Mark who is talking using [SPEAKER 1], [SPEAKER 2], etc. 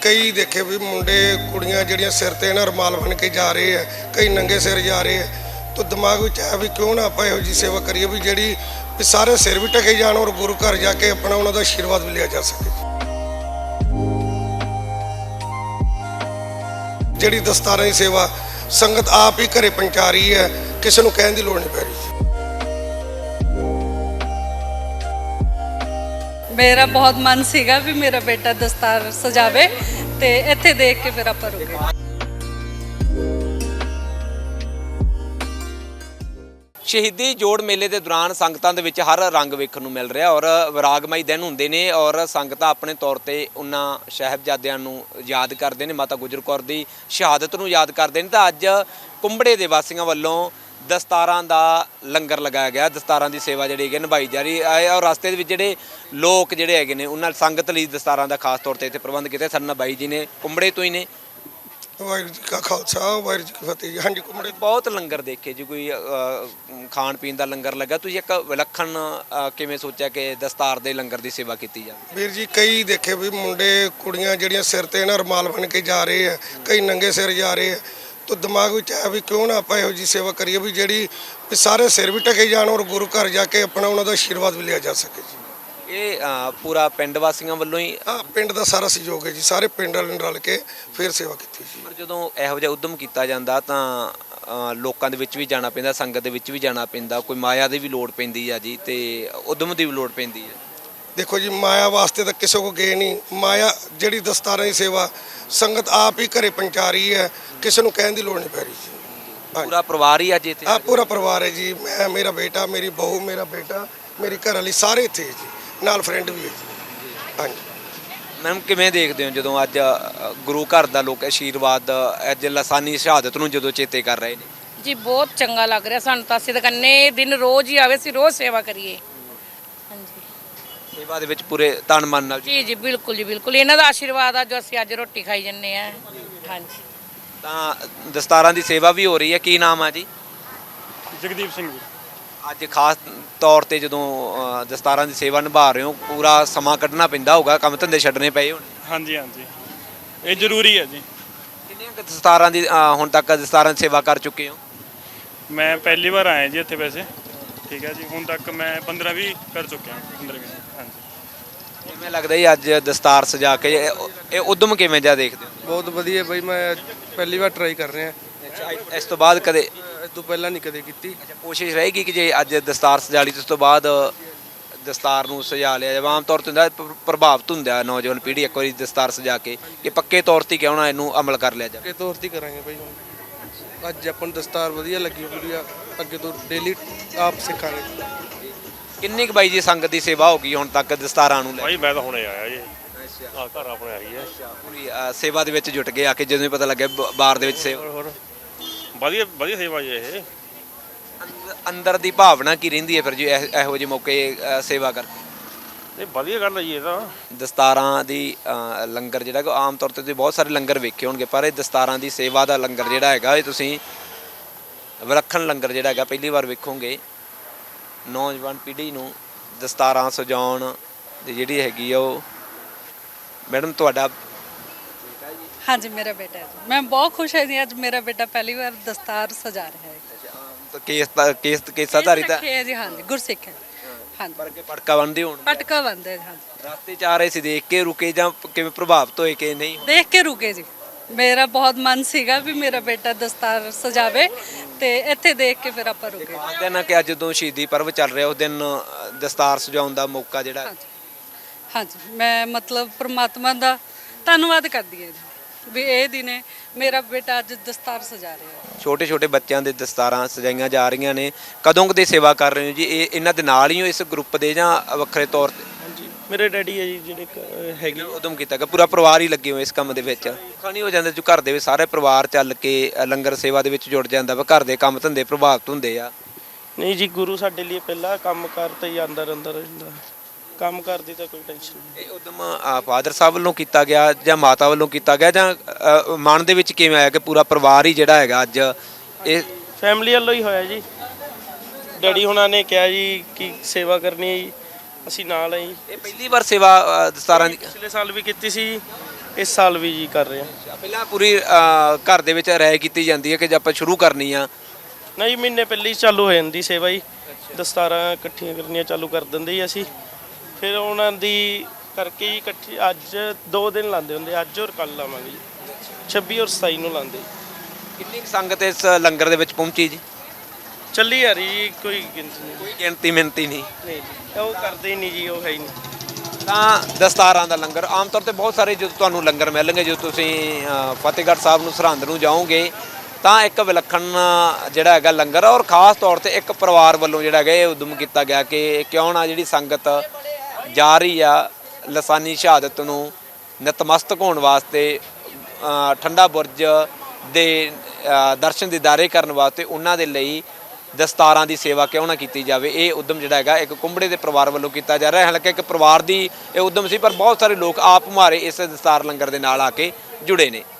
[SPEAKER 1] ਕਈ ਦੇਖੇ ਵੀ ਮੁੰਡੇ ਕੁੜੀਆਂ ਜਿਹੜੀਆਂ ਸਿਰ ਤੇ ਨਾ ਰੁਮਾਲ ਬਣ ਕੇ ਜਾ ਰਹੇ ਆ, ਕਈ ਨੰਗੇ ਸਿਰ ਜਾ ਰਹੇ ਆ। ਤਾਂ ਦਿਮਾਗ ਵਿੱਚ ਆਇਆ ਵੀ ਕਿਉਂ ਨਾ ਆਪਾਂ ਇਹੋ ਜਿਹੀ ਸੇਵਾ ਕਰੀਏ ਵੀ ਜਿਹੜੀ ਵੀ ਸਾਰੇ ਸਿਰ ਵੀ ਢਕੇ ਜਾਣ ਔਰ ਗੁਰੂ ਘਰ ਜਾ ਕੇ ਆਪਣਾ ਉਹਨਾਂ ਦਾ ਆਸ਼ੀਰਵਾਦ ਵੀ ਲਿਆ ਜਾ ਸਕੇ। ਜਿਹੜੀ ਦਸਤਾਰਾਂ ਦੀ ਸੇਵਾ ਸੰਗਤ ਆਪ ਹੀ ਘਰੇ ਪਹੁੰਚਾ ਰਹੀ ਹੈ, ਕਿਸੇ ਨੂੰ ਕਹਿਣ ਦੀ ਲੋੜ ਨਹੀਂ ਪੈ ਰਹੀ।
[SPEAKER 2] मेरा बहुत मन सीगा भी मेरा बेटा दस्तार सजावे ते इत्थे देख के फिर आपां रुके।
[SPEAKER 3] ਸ਼ਹੀਦੀ ਜੋੜ ਮੇਲੇ ਦੇ ਦੌਰਾਨ ਸੰਗਤਾਂ ਦੇ ਵਿੱਚ ਹਰ ਰੰਗ ਵੇਖਣ ਨੂੰ ਮਿਲ ਰਿਹਾ ਔਰ ਵਿਰਾਗਮਈ ਦਿਨ ਹੁੰਦੇ ਨੇ ਔਰ ਸੰਗਤਾਂ ਆਪਣੇ ਤੌਰ ਤੇ ਉਹਨਾਂ ਸਾਹਿਬਜ਼ਾਦਿਆਂ ਨੂੰ ਯਾਦ ਕਰਦੇ ਨੇ, ਮਾਤਾ ਗੁਜਰ ਕੌਰ ਦੀ ਸ਼ਹਾਦਤ ਨੂੰ ਯਾਦ ਕਰਦੇ ਨੇ। ਤਾਂ ਅੱਜ ਕੁੰਬੜੇ ਦੇ ਵਾਸੀਆਂ ਵੱਲੋਂ ਦਸਤਾਰਾਂ ਦਾ ਲੰਗਰ ਲਗਾਇਆ ਗਿਆ, ਦਸਤਾਰਾਂ ਦੀ ਸੇਵਾ ਜਿਹੜੀ ਹੈਗੀ ਨਿਭਾਈ ਜਾ ਰਹੀ ਹੈ ਔਰ ਰਸਤੇ ਦੇ ਵਿੱਚ ਜਿਹੜੇ ਲੋਕ ਜਿਹੜੇ ਹੈਗੇ ਨੇ ਉਹਨਾਂ ਸੰਗਤ ਲਈ ਦਸਤਾਰਾਂ ਦਾ ਖਾਸ ਤੌਰ ਤੇ ਇੱਥੇ ਪ੍ਰਬੰਧ ਕੀਤੇ। ਸਾਡੇ ਨਾਲ ਬਾਈ ਜੀ ਨੇ ਕੁੰਬੜੇ ਤੋਂ ਹੀ ਨੇ।
[SPEAKER 1] ਵਾਹਿਗੁਰੂ ਜੀ ਕਾ ਖਾਲਸਾ ਵਾਹਿਗੁਰੂ ਜੀ ਕੀ ਫਤਿਹ ਜੀ। ਹਾਂਜੀ, ਕੁੰਬੜੇ
[SPEAKER 3] ਬਹੁਤ ਲੰਗਰ ਦੇਖੇ ਜੀ, ਕੋਈ ਖਾਣ ਪੀਣ ਦਾ ਲੰਗਰ ਲੱਗਾ, ਤੁਸੀਂ ਇੱਕ ਵਿਲੱਖਣ ਕਿਵੇਂ ਸੋਚਿਆ ਕਿ ਦਸਤਾਰ ਦੇ ਲੰਗਰ ਦੀ ਸੇਵਾ ਕੀਤੀ ਜਾਵੇ?
[SPEAKER 1] ਵੀਰ ਜੀ ਕਈ ਦੇਖੇ ਵੀ ਮੁੰਡੇ ਕੁੜੀਆਂ ਜਿਹੜੀਆਂ ਸਿਰ ਤੇ ਨਾ ਰੁਮਾਲ ਬਣ ਕੇ ਜਾ ਰਹੇ ਆ, ਕਈ ਨੰਗੇ ਸਿਰ ਜਾ ਰਹੇ ਆ। ਤਾਂ ਦਿਮਾਗ ਵਿੱਚ ਆਇਆ ਵੀ ਕਿਉਂ ਨਾ ਆਪਾਂ ਇਹੋ ਜਿਹੀ ਸੇਵਾ ਕਰੀਏ ਵੀ ਜਿਹੜੀ ਵੀ ਸਾਰੇ ਸਿਰ ਵੀ ਢਕੇ ਜਾਣ ਔਰ ਗੁਰੂ ਘਰ ਜਾ ਕੇ ਆਪਣਾ ਉਹਨਾਂ ਦਾ ਆਸ਼ੀਰਵਾਦ ਵੀ ਲਿਆ ਜਾ ਸਕੇ ਜੀ।
[SPEAKER 3] ਇਹ ਪੂਰਾ ਪਿੰਡ ਵਾਸੀਆਂ ਵੱਲੋਂ ਹੀ?
[SPEAKER 1] ਹਾਂ, ਪਿੰਡ ਦਾ ਸਾਰਾ ਸਹਿਯੋਗ ਹੈ ਜੀ, ਸਾਰੇ ਪਿੰਡ ਵਾਲਿਆਂ ਨੇ ਰਲ ਕੇ ਫਿਰ ਸੇਵਾ ਕੀਤੀ ਜੀ।
[SPEAKER 3] ਪਰ ਜਦੋਂ ਇਹੋ ਜਿਹਾ ਉਦਮ ਕੀਤਾ ਜਾਂਦਾ ਤਾਂ ਲੋਕਾਂ ਦੇ ਵਿੱਚ ਵੀ ਜਾਣਾ ਪੈਂਦਾ, ਸੰਗਤ ਦੇ ਵਿੱਚ ਵੀ ਜਾਣਾ ਪੈਂਦਾ, ਕੋਈ ਮਾਇਆ ਦੀ ਵੀ ਲੋੜ ਪੈਂਦੀ ਆ ਜੀ ਤੇ ਉਦਮ ਦੀ ਵੀ ਲੋੜ ਪੈਂਦੀ ਹੈ।
[SPEAKER 1] ਦੇਖੋ ਜੀ, ਮਾਇਆ ਵਾਸਤੇ ਤਾਂ ਕਿਸੇ ਕੋ ਗਏ ਨਹੀਂ। ਮਾਇਆ ਜਿਹੜੀ ਦਸਤਾਰਾਂ ਦੀ ਸੇਵਾ ਸੰਗਤ ਆਪ ਹੀ ਘਰੇ ਪਹੁੰਚਾ ਰਹੀ ਹੈ, ਕਿਸੇ ਨੂੰ ਕਹਿਣ ਦੀ ਲੋੜ ਨਹੀਂ ਪੈ ਰਹੀ ਜੀ।
[SPEAKER 3] ਪੂਰਾ ਪਰਿਵਾਰ ਹੀ ਅੱਜ ਇੱਥੇ?
[SPEAKER 1] ਹਾਂ, ਪੂਰਾ ਪਰਿਵਾਰ ਹੈ ਜੀ। ਮੈਂ, ਮੇਰਾ ਬੇਟਾ, ਮੇਰੀ ਬਹੂ, ਮੇਰਾ ਬੇਟਾ, ਮੇਰੀ ਘਰ ਵਾਲੀ, ਸਾਰੇ ਇੱਥੇ ਹੈ ਜੀ, ਨਾਲ ਫਰੈਂਡ ਵੀ ਹੈ ਜੀ। ਹਾਂਜੀ
[SPEAKER 3] ਮੈਮ, ਕਿਵੇਂ ਦੇਖਦੇ ਹੋ ਜਦੋਂ ਅੱਜ ਗੁਰੂ ਘਰ ਦਾ ਲੋਕ ਆਸ਼ੀਰਵਾਦ ਅੱਜ ਲਾਸਾਨੀ ਸ਼ਹਾਦਤ ਨੂੰ ਜਦੋਂ ਚੇਤੇ ਕਰ ਰਹੇ ਨੇ?
[SPEAKER 4] ਜੀ ਬਹੁਤ ਚੰਗਾ ਲੱਗ ਰਿਹਾ ਸਾਨੂੰ ਤਾਂ। ਅਸੀਂ ਤਾਂ ਕੰਨੇ ਦਿਨ ਰੋਜ਼ ਹੀ ਆਵੇ, ਅਸੀਂ ਰੋਜ਼ ਸੇਵਾ ਕਰੀਏ। ਹਾਂਜੀ,
[SPEAKER 3] ਸੇਵਾ ਦੇ ਵਿੱਚ ਪੂਰੇ ਤਨ ਮਨ ਨਾਲ
[SPEAKER 4] ਜੀ ਜੀ ਬਿਲਕੁਲ ਜੀ ਬਿਲਕੁਲ। ਇਹਨਾਂ ਦਾ ਆਸ਼ੀਰਵਾਦ ਆ ਜੋ ਅਸੀਂ ਅੱਜ ਰੋਟੀ ਖਾਈ ਜੰਨੇ ਆ। ਹਾਂਜੀ,
[SPEAKER 3] ਤਾਂ ਦਸਤਾਰਾਂ ਦੀ ਸੇਵਾ ਵੀ ਹੋ ਰਹੀ ਹੈ। ਕੀ ਨਾਮ ਆ ਜੀ?
[SPEAKER 5] ਜਗਦੀਪ ਸਿੰਘ ਜੀ।
[SPEAKER 3] ਅੱਜ ਖਾਸ ਤੌਰ ਤੇ ਜਦੋਂ ਦਸਤਾਰਾਂ ਦੀ ਸੇਵਾ ਨਿਭਾ ਰਹੇ ਹੋ, ਪੂਰਾ ਸਮਾਂ ਕੱਢਣਾ ਪੈਂਦਾ ਹੋਊਗਾ, ਕੰਮ ਧੰਦੇ ਛੱਡਣੇ ਪਏ ਹੋਣ?
[SPEAKER 5] ਹਾਂਜੀ ਹਾਂਜੀ, ਇਹ ਜ਼ਰੂਰੀ ਹੈ ਜੀ।
[SPEAKER 3] ਕਿੰਨੀਆਂ ਕੁ ਦਸਤਾਰਾਂ ਦੀ ਹੁਣ ਤੱਕ ਦਸਤਾਰਾਂ ਦੀ ਸੇਵਾ ਕਰ ਚੁੱਕੇ ਹੋ?
[SPEAKER 5] ਮੈਂ ਪਹਿਲੀ ਵਾਰ ਆਇਆ ਜੀ ਇੱਥੇ ਵੈਸੇ। ਠੀਕ ਹੈ ਜੀ, ਹੁਣ ਤੱਕ ਮੈਂ 15-20 ਕਰ ਚੁੱਕਿਆ। 15-20 ਹਾਂਜੀ।
[SPEAKER 3] ਕਿਵੇਂ ਲੱਗਦਾ ਜੀ ਅੱਜ ਦਸਤਾਰ ਸਜਾ ਕੇ ਇਹ ਉਦਮ ਕਿਵੇਂ ਜਾ ਦੇਖਦੇ ਹੋ?
[SPEAKER 6] ਬਹੁਤ ਵਧੀਆ ਬਾਈ, ਮੈਂ ਪਹਿਲੀ ਵਾਰ ਟਰਾਈ ਕਰ ਰਿਹਾ।
[SPEAKER 3] ਇਸ ਤੋਂ ਬਾਅਦ ਕਦੇ
[SPEAKER 6] ਇਸ ਤੋਂ ਪਹਿਲਾਂ ਨਹੀਂ ਕਦੇ ਕੀਤੀ।
[SPEAKER 3] ਕੋਸ਼ਿਸ਼ ਰਹੇਗੀ ਕਿ ਜੇ ਅੱਜ ਦਸਤਾਰ ਸਜਾ ਲਈ ਤੇ ਉਸ ਤੋਂ ਬਾਅਦ ਦਸਤਾਰ ਨੂੰ ਸਜਾ ਲਿਆ ਜਾਵੇ? ਆਮ ਤੌਰ ਤੇ ਹੁੰਦਾ ਪ੍ਰਭਾਵਿਤ ਹੁੰਦਾ ਨੌਜਵਾਨ ਪੀੜ੍ਹੀ ਇੱਕ ਵਾਰੀ ਦਸਤਾਰ ਸਜਾ ਕੇ ਕਿ ਪੱਕੇ ਤੌਰ ਤੇ ਕਿਉਂ ਨਾ ਇਹਨੂੰ ਅਮਲ ਕਰ ਲਿਆ ਜਾਵੇ?
[SPEAKER 6] ਪੱਕੇ ਤੌਰ ਤੇ ਕਰਾਂਗੇ ਬਾਈ। ਹੁਣ ਅੱਜ ਆਪਾਂ ਨੂੰ ਦਸਤਾਰ ਵਧੀਆ ਲੱਗੀ, ਵਧੀਆ ਅੱਗੇ ਤੋਂ ਡੇਲੀ ਆਪ ਸਿੱਖਾਂਗੇ।
[SPEAKER 3] ਕਿੰਨੀ ਕੁ ਬਾਈ ਜੀ ਸੰਗਤ ਦੀ ਸੇਵਾ ਹੋ ਗਈ ਹੁਣ ਤੱਕ ਦਸਤਾਰਾਂ ਨੂੰ ਲੈ?
[SPEAKER 5] ਭਾਈ ਮੈਂ ਤਾਂ ਹੁਣੇ ਆਇਆ ਜੀ। ਆ ਘਰ ਆਪਣੇ ਆਈ ਹੈ।
[SPEAKER 3] ਪੂਰੀ ਸੇਵਾ ਦੇ ਵਿੱਚ ਜੁਟ ਗਏ ਆ ਕੇ ਜਦੋਂ ਹੀ ਪਤਾ ਲੱਗਿਆ ਬਾਰ ਦੇ ਵਿੱਚ ਸੇਵਾ?
[SPEAKER 5] ਹੋਰ ਵਧੀਆ ਵਧੀਆ ਸੇਵਾ ਜੀ ਇਹ।
[SPEAKER 3] ਅੰਦਰ ਦੀ ਭਾਵਨਾ ਕੀ ਰਹਿੰਦੀ ਹੈ ਫਿਰ ਜੀ ਇਹੋ ਜਿਹੇ ਮੌਕੇ ਸੇਵਾ ਕਰ?
[SPEAKER 5] ਇਹ ਵਧੀਆ ਗੱਲ ਹੈ ਜੀ ਇਹ ਤਾਂ।
[SPEAKER 3] ਦਸਤਾਰਾਂ ਦੀ ਲੰਗਰ ਜਿਹੜਾ ਕਿ ਆਮ ਤੌਰ ਤੇ ਤੁਸੀਂ ਬਹੁਤ ਸਾਰੇ ਲੰਗਰ ਵੇਖੇ ਹੋਣਗੇ, ਪਰ ਇਹ ਦਸਤਾਰਾਂ ਦੀ ਸੇਵਾ ਦਾ ਲੰਗਰ ਜਿਹੜਾ ਹੈਗਾ ਇਹ ਤੁਸੀਂ ਵਿਲੱਖਣ ਲੰਗਰ ਜਿਹੜਾ ਹੈਗਾ ਪਹਿਲੀ ਵਾਰ ਵੇਖੋਗੇ। ਨੌਜਵਾਨ ਪੀੜ੍ਹੀ ਨੂੰ ਦਸਤਾਰਾਂ ਸਜਾਉਣ ਦੀ ਜਿਹੜੀ ਹੈਗੀ ਆ ਉਹ। ਮੈਡਮ, ਤੁਹਾਡਾ?
[SPEAKER 2] हाँ जी, मेरा बेटा है जी। मैं बहुत खुश है जी, आज मेरा बेटा पहली बार दस्तार सजा रहा है।
[SPEAKER 3] ਤਾਂ ਕੇਸਾਧਾਰੀ ਤਾਂ
[SPEAKER 2] है जी, हाँ जी, गुरसिख है। हाँ जी,
[SPEAKER 3] ਪਰ ਕੇ ਪਟਕਾ ਬੰਨਦੇ ਹੋਣ?
[SPEAKER 2] पटका बंद है। हाँ जी,
[SPEAKER 3] ਰਸਤੇ ਚ ਆ ਰਹੇ ਸੀ, ਦੇਖ ਕੇ ਰੁਕੇ ਜਾਂ ਕਿਵੇਂ ਪ੍ਰਭਾਵਿਤ ਹੋਏ ਕਿ ਨਹੀਂ?
[SPEAKER 2] देख के रुके जी। मेरा बहुत मन सीगा भी मेरा बेटा दस्तार सजावे ते इत्थे देख के फिर आपां रुके।
[SPEAKER 3] ਖਾਸ ਦਿਨ ਆ ਕਿ ਅੱਜ ਜਦੋਂ ਸ਼ਹੀਦੀ ਪਰਵ ਚੱਲ ਰਿਹਾ ਉਸ ਦਿਨ ਦਸਤਾਰ ਸਜਾਉਣ ਦਾ ਮੌਕਾ ਜਿਹੜਾ
[SPEAKER 2] हाँ जी, हाँ जी, मैं मतलब परमात्मा ਦਾ ਧੰਨਵਾਦ ਕਰਦੀ ਹਾਂ ਜੀ ਵੀ ਇਹ ਦਿਨੇ ਮੇਰਾ ਬੇਟਾ ਅੱਜ ਦਸਤਾਰ ਸਜਾ ਰਿਹਾ ਹੈ।
[SPEAKER 3] ਛੋਟੇ ਛੋਟੇ ਬੱਚਿਆਂ ਦੇ ਦਸਤਾਰਾਂ ਸਜਾਈਆਂ ਜਾ ਰਹੀਆਂ ਨੇ। ਕਦੋਂ ਕਦੇ ਸੇਵਾ ਕਰ ਰਹੇ ਹੋ ਜੀ? ਇਹ ਇਹਨਾਂ ਦੇ ਨਾਲ ਹੀ ਹੋ ਇਸ ਗਰੁੱਪ ਦੇ ਜਾਂ ਵੱਖਰੇ ਤੌਰ ਤੇ?
[SPEAKER 6] ਹਾਂਜੀ, ਮੇਰੇ ਡੈਡੀ ਹੈ ਜੀ ਜਿਹੜੇ ਹੈਗੇ।
[SPEAKER 3] ਉਦਮ ਕੀਤਾ ਗਿਆ, ਪੂਰਾ ਪਰਿਵਾਰ ਹੀ ਲੱਗੇ ਹੋ ਇਸ ਕੰਮ ਦੇ ਵਿੱਚ? ਖਾਣੀ ਹੋ ਜਾਂਦਾ ਜੋ ਘਰ ਦੇ ਵਿੱਚ ਸਾਰੇ ਪਰਿਵਾਰ ਚੱਲ ਕੇ ਲੰਗਰ ਸੇਵਾ ਦੇ ਵਿੱਚ ਜੁੜ ਜਾਂਦਾ ਵਾ, ਘਰ ਦੇ ਕੰਮ ਧੰਦੇ ਪ੍ਰਭਾਵਿਤ ਹੁੰਦੇ ਆ?
[SPEAKER 6] ਨਹੀਂ ਜੀ, ਗੁਰੂ ਸਾਡੇ ਲਈ ਪਹਿਲਾਂ ਕੰਮ ਕਰਤਾ ਹੀ ਅੰਦਰ ਰਹਿੰਦਾ। ਕੰਮ ਕਰਦੀ ਤਾਂ ਕੋਈ ਟੈਨਸ਼ਨ ਨਹੀਂ।
[SPEAKER 3] ਇਹ ਉਦਮ ਫਾਦਰ ਸਾਹਿਬ ਵੱਲੋਂ ਕੀਤਾ ਗਿਆ ਜਾਂ ਮਾਤਾ ਵੱਲੋਂ ਕੀਤਾ ਗਿਆ ਜਾਂ ਮਨ ਦੇ ਵਿੱਚ ਕਿਵੇਂ ਆਇਆ ਕਿ ਪੂਰਾ ਪਰਿਵਾਰ ਹੀ ਜਿਹੜਾ ਹੈਗਾ ਅੱਜ ਇਹ?
[SPEAKER 6] ਫੈਮਿਲੀ ਵੱਲੋਂ ਹੀ ਹੋਇਆ ਜੀ। ਡੈਡੀ ਹੁਣਾਂ ਨੇ ਕਿਹਾ ਜੀ ਕਿ ਸੇਵਾ ਕਰਨੀ ਹੈ ਜੀ, ਅਸੀਂ ਨਾਲ ਆਏ।
[SPEAKER 3] ਇਹ ਪਹਿਲੀ ਵਾਰ ਸੇਵਾ ਦਸਤਾਰਾਂ ਦੀ?
[SPEAKER 6] ਪਿਛਲੇ ਸਾਲ ਵੀ ਕੀਤੀ ਸੀ, ਇਸ ਸਾਲ ਵੀ ਜੀ ਕਰ ਰਹੇ ਹਾਂ।
[SPEAKER 3] ਪਹਿਲਾਂ ਪੂਰੀ ਘਰ ਦੇ ਵਿੱਚ ਰਾਏ ਕੀਤੀ ਜਾਂਦੀ ਹੈ ਕਿ ਜੇ ਆਪਾਂ ਸ਼ੁਰੂ ਕਰਨੀ ਆ
[SPEAKER 6] ਨਹੀਂ, ਮਹੀਨੇ ਪਹਿਲੇ ਹੀ ਚਾਲੂ ਹੋ ਜਾਂਦੀ ਸੇਵਾ ਜੀ। ਦਸਤਾਰਾਂ ਇਕੱਠੀਆਂ ਕਰਨੀਆਂ ਚਾਲੂ ਕਰ ਦਿੰਦੇ ਜੀ ਅਸੀਂ। ਫਿਰ ਉਹਨਾਂ ਦੀ ਕਰਕੇ ਜੀ ਇਕੱਠੀ ਅੱਜ 2 ਦਿਨ ਲਾਉਂਦੇ ਹੁੰਦੇ, ਅੱਜ ਔਰ ਕੱਲ ਲਾਵਾਂਗੇ ਜੀ। 26 ਔਰ 27 ਨੂੰ ਲਾਉਂਦੇ।
[SPEAKER 3] ਕਿੰਨੀ ਕੁ ਸੰਗਤ ਇਸ ਲੰਗਰ ਦੇ ਵਿੱਚ ਪਹੁੰਚੀ ਜੀ?
[SPEAKER 6] ਚੱਲੀ ਆ ਰਹੀ ਜੀ, ਕੋਈ ਗਿਣਤੀ ਨਹੀਂ।
[SPEAKER 3] ਕੋਈ ਗਿਣਤੀ ਮਿੰਤੀ ਨਹੀਂ।
[SPEAKER 6] ਨਹੀਂ ਜੀ, ਉਹ ਕਰਦੇ ਹੀ ਨਹੀਂ ਜੀ, ਉਹ ਹੈ ਹੀ ਨਹੀਂ।
[SPEAKER 3] ਤਾਂ ਦਸਤਾਰਾਂ ਦਾ ਲੰਗਰ ਆਮ ਤੌਰ ਤੇ ਬਹੁਤ ਸਾਰੇ ਜਦੋਂ ਤੁਹਾਨੂੰ ਲੰਗਰ ਮਿਲਣਗੇ, ਜਦੋਂ ਤੁਸੀਂ ਫਤਿਹਗੜ੍ਹ ਸਾਹਿਬ ਨੂੰ ਸਰਹੰਦ ਨੂੰ ਜਾਓਗੇ ਤਾਂ ਇੱਕ ਵਿਲੱਖਣ ਜਿਹੜਾ ਹੈਗਾ ਲੰਗਰ ਔਰ ਖਾਸ ਤੌਰ ਤੇ ਇੱਕ ਪਰਿਵਾਰ ਵੱਲੋਂ ਜਿਹੜਾ ਹੈਗਾ ਇਹ ਉਦਮ ਕੀਤਾ ਗਿਆ ਕਿ ਕਿਉਂ ਨਾ ਜਿਹੜੀ ਸੰਗਤ ਜਾ ਰਹੀ ਆ ਲਸਾਨੀ ਸ਼ਹਾਦਤ ਨੂੰ ਨਤਮਸਤਕ ਹੋਣ ਵਾਸਤੇ, ਠੰਡਾ ਬੁਰਜ ਦੇ ਦਰਸ਼ਨ ਦੀਦਾਰੇ ਕਰਨ ਵਾਸਤੇ ਉਹਨਾਂ ਦੇ ਲਈ ਦਸਤਾਰਾਂ ਦੀ ਸੇਵਾ ਕਿਉਂ ਨਾ ਕੀਤੀ ਜਾਵੇ। ਇਹ ਉਦਮ ਜਿਹੜਾ ਹੈਗਾ ਇੱਕ ਕੁੰਬੜੇ ਦੇ ਪਰਿਵਾਰ ਵੱਲੋਂ ਕੀਤਾ ਜਾ ਰਿਹਾ ਹੈ। ਹਾਲਾਂਕਿ ਇੱਕ ਪਰਿਵਾਰ ਦੀ ਇਹ ਉਦਮ ਸੀ, ਪਰ ਬਹੁਤ ਸਾਰੇ ਲੋਕ ਆਪ ਮੁਹਾਰੇ ਇਸ ਦਸਤਾਰ ਲੰਗਰ ਦੇ ਨਾਲ ਆ ਕੇ ਜੁੜੇ ਨੇ।